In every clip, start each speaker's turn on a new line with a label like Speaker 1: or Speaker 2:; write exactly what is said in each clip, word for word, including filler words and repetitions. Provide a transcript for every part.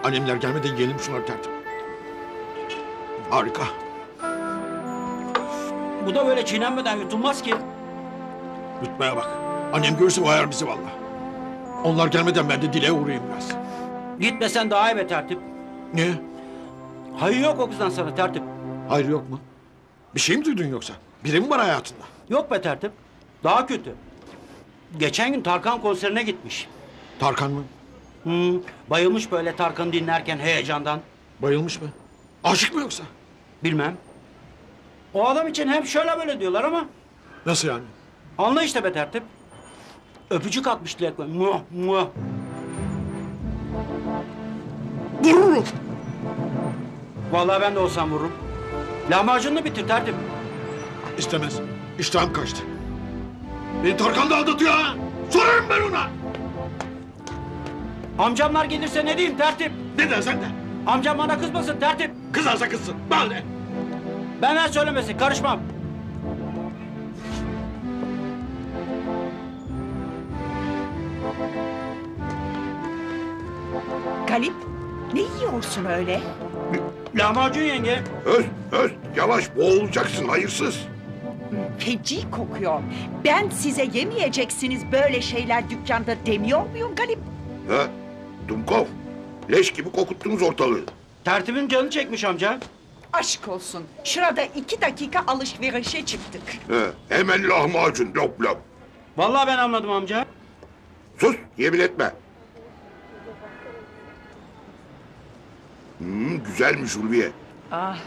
Speaker 1: Annemler gelmeden yiyelim şunları tertip. Harika.
Speaker 2: Bu da böyle çiğnenmeden yutulmaz ki.
Speaker 1: Yutmaya bak. Annem görürse bayar bizi valla. Onlar gelmeden ben de Dile'ye uğrayayım biraz.
Speaker 2: Gitmesen daha iyi be tertip.
Speaker 1: Niye?
Speaker 2: Hayır yok o kızdan sana tertip.
Speaker 1: Hayır yok mu? Bir şey mi duydun yoksa? Biri mi var hayatında?
Speaker 2: Yok be tertip. Daha kötü. Geçen gün Tarkan konserine gitmiş.
Speaker 1: Tarkan mı?
Speaker 2: Hmm, bayılmış böyle Tarkan'ı dinlerken heyecandan.
Speaker 1: Bayılmış mı? Aşık mı yoksa?
Speaker 2: Bilmem. O adam için hep şöyle böyle diyorlar ama...
Speaker 1: Nasıl yani?
Speaker 2: Anla işte be tertip. Öpücük atmış Dilek'le. Muah muah.
Speaker 1: Vururum.
Speaker 2: Vallahi ben de olsam vururum. Lahmacununu bitir tertip.
Speaker 1: İstemez. İştahım kaçtı. Beni Tarkan da aldatıyor ha. Sorarım ben ona.
Speaker 2: Amcamlar gelirse ne diyeyim tertip?
Speaker 1: Ne dersen de.
Speaker 2: Amcam bana kızmasın tertip.
Speaker 1: Kızarsa kızsın. Bana ne?
Speaker 2: Benden söylemesin karışmam.
Speaker 3: Galip, ne yiyorsun öyle?
Speaker 2: Lahmacun yenge.
Speaker 4: Öz, öz, yavaş boğulacaksın hayırsız.
Speaker 3: Feci kokuyor. Ben size yemeyeceksiniz böyle şeyler dükkanda demiyor muyum Galip?
Speaker 4: Ha? Dumkov, leş gibi kokuttunuz ortalığı.
Speaker 2: Tertibin canı çekmiş amca.
Speaker 3: Aşk olsun. Şurada iki dakika alışverişe çıktık.
Speaker 4: Ha, hemen lahmacun, lop lop.
Speaker 2: Vallahi ben anladım amca.
Speaker 4: Sus, yemin etme. Hmm, güzelmiş Ulviye.
Speaker 3: Ah.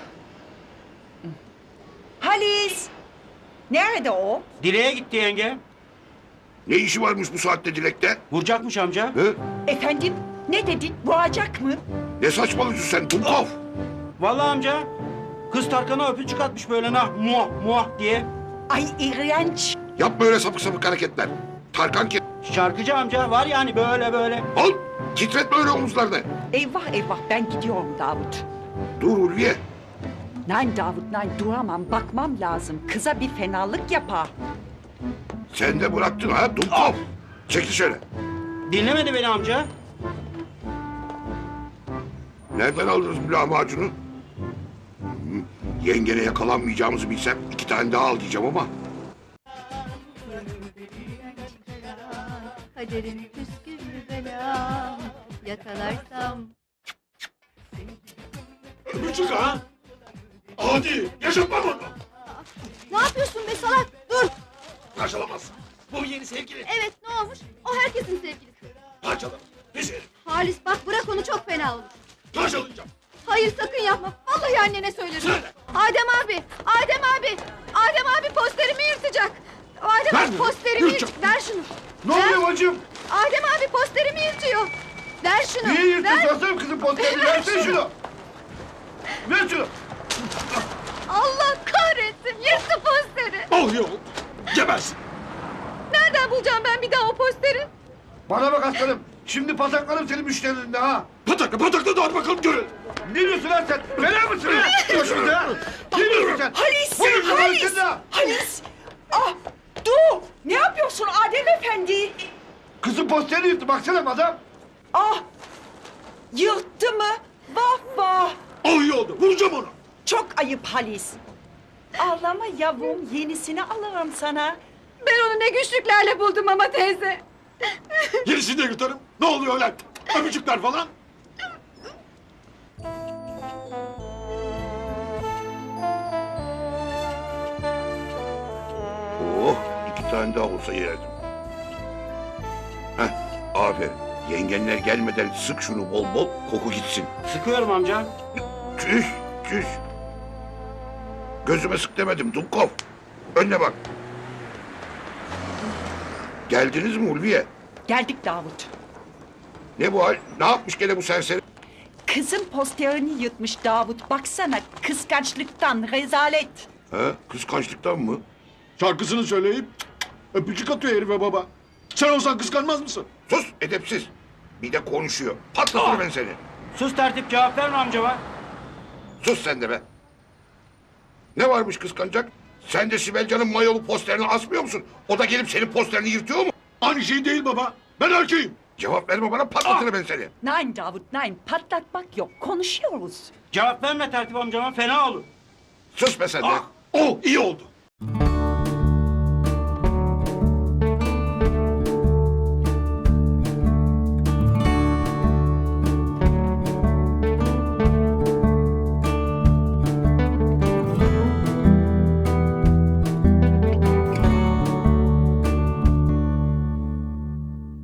Speaker 3: Halis! Nerede o?
Speaker 2: Dileğe gitti yenge.
Speaker 4: Ne işi varmış bu saatte Dilek'te?
Speaker 2: Vuracakmış amca.
Speaker 4: Ha?
Speaker 3: Efendim, ne dedin? Boğacak mı?
Speaker 4: Ne saçmalıyorsun sen Dumkov?
Speaker 2: Vallahi amca. Kız Tarkan'a öpücük atmış böyle nah muah muah diye.
Speaker 3: Ay iğrenç.
Speaker 4: Yapma öyle sapık sapık hareketler. Tarkan ki...
Speaker 2: Şarkıcı amca var yani böyle böyle.
Speaker 4: Al, titretme öyle omuzlarını.
Speaker 3: Eyvah eyvah ben gidiyorum Davut.
Speaker 4: Dur Ulviye.
Speaker 3: Nein Davut, nein duramam, bakmam lazım. Kıza bir fenalık yapar.
Speaker 4: Sen de bıraktın ha Dumkov. Çekil şöyle.
Speaker 2: Dinlemedi beni amca.
Speaker 4: Nereden aldınız bu lahmacunu? Hı, yengene yakalanmayacağımızı bilsem iki tane daha al diyeceğim ama.
Speaker 5: Kaderim püsküllü belam yakalarsam.
Speaker 1: Öpücük ha? Hadi yaşatma bunu.
Speaker 5: Ne yapıyorsun be salak? Dur.
Speaker 1: Parçalamazsın. Bu yeni sevgili.
Speaker 5: Evet ne olmuş? O herkesin sevgilisi.
Speaker 1: Parçalar. Pis herif.
Speaker 5: Halis bak bırak onu çok fena olur.
Speaker 1: Parçalayacağım.
Speaker 5: Hayır sakın yapma. Vallahi annene söylerim.
Speaker 1: Söyle.
Speaker 5: Adem abi. Adem abi. Adem abi posterimi yırtacak. Adem
Speaker 1: Ver
Speaker 5: abi
Speaker 1: mi?
Speaker 5: posterimi yırt.
Speaker 1: Yırtacak.
Speaker 5: Ver şunu.
Speaker 6: Ne
Speaker 5: Ver.
Speaker 6: oluyor bacım?
Speaker 5: Adem abi posterimi yırtıyor. Ver şunu.
Speaker 6: Niye yırttın?
Speaker 5: Ver.
Speaker 6: Versene kızın posterini. Versene şunu. Ver şunu.
Speaker 5: Allah kahretsin. Yırttı posteri.
Speaker 1: Al yol. Gebersin.
Speaker 5: Nereden bulacağım ben bir daha o posteri?
Speaker 6: Bana bak aslanım. Şimdi pataklarım senin müşterilerinde ha.
Speaker 1: Patakla patakla da hadi bakalım görün.
Speaker 6: Ne diyorsun lan sen? Fena mısın ha? Başımıza ha? Ne diyorsun sen?
Speaker 3: Halis!
Speaker 6: Bu yüzden
Speaker 3: Halis!
Speaker 6: Halis'in ha.
Speaker 3: Halis! Ah! Dur! Ne yapıyorsun Adem Efendi?
Speaker 6: Kızın posterini yırttı. Baksana adam.
Speaker 3: Ah! Yırttı mı? Vah vah!
Speaker 1: Al yolda vuracağım onu.
Speaker 3: Çok ayıp Halis. Ağlama yavrum, yenisini alırım sana.
Speaker 5: Ben onu ne güçlüklerle buldum ama teyze.
Speaker 1: Yenisini de yırtarım. Ne oluyor lan? Öpücükler falan.
Speaker 4: Oh, iki tane daha olsa yerdim. Heh, aferin. Yengenler gelmeden sık şunu bol bol, koku gitsin.
Speaker 2: Sıkıyorum amca.
Speaker 4: Çüş, çüş. Gözüme sık demedim Dumkov. Önüne bak. Geldiniz mi Ulviye?
Speaker 3: Geldik Davut.
Speaker 4: Ne bu hal? Ne yapmış gene bu serseri?
Speaker 3: Kızın posterini yırtmış Davut. Baksana kıskançlıktan rezalet.
Speaker 4: Ha, kıskançlıktan mı?
Speaker 1: Şarkısını söyleyip öpücük atıyor herife baba. Sen olsan kıskanmaz mısın?
Speaker 4: Sus, edepsiz. Bir de konuşuyor. Patlatır ben seni.
Speaker 2: Sus tertip cevap verme amcama.
Speaker 4: Sus sen de be. Ne varmış kıskanacak? Sen de Sibel Can'ın mayolu posterini asmıyor musun? O da gelip senin posterini yırtıyor mu?
Speaker 1: Aynı şey değil baba. Ben erkeğim.
Speaker 4: Cevap verme bana patlatırım ben seni.
Speaker 3: Nein Davut, nein. Patlatmak yok. Konuşuyoruz.
Speaker 2: Cevap verme tertip amcama fena olur.
Speaker 4: Sus be sen de.
Speaker 1: Ah, o iyi oldu.